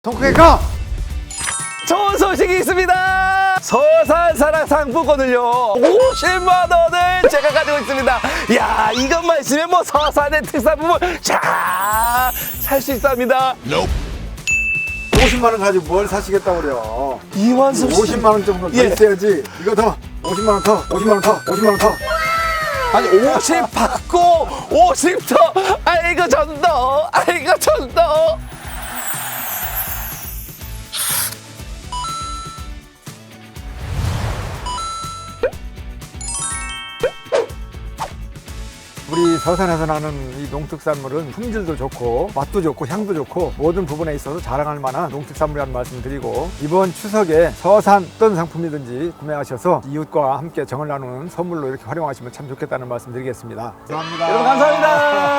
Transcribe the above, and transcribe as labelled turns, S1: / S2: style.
S1: 통크게 가!
S2: 좋은 소식이 있습니다. 서산사랑 상품권을요 50만 원을 제가 가지고 있습니다. 야, 이것만 있으면 뭐 서산의 특산품을 잘 수 있답니다.
S1: 50만 원 가지고 뭘 사시겠다고 그래요?
S2: 이완섭 씨
S1: 50만 원 정도 더
S2: 예.
S1: 있어야지. 이거 더 50만 원 더, 50만 원 더, 50만 원 더.
S2: 아니 50 받고 50 더. 아이고 전더, 아이고 전더.
S1: 우리 서산에서 나는 이 농특산물은 품질도 좋고 맛도 좋고 향도 좋고 모든 부분에 있어서 자랑할 만한 농특산물이라는 말씀을 드리고, 이번 추석에 서산 어떤 상품이든지 구매하셔서 이웃과 함께 정을 나누는 선물로 이렇게 활용하시면 참 좋겠다는 말씀 드리겠습니다. 감사합니다.
S2: 여러분 감사합니다.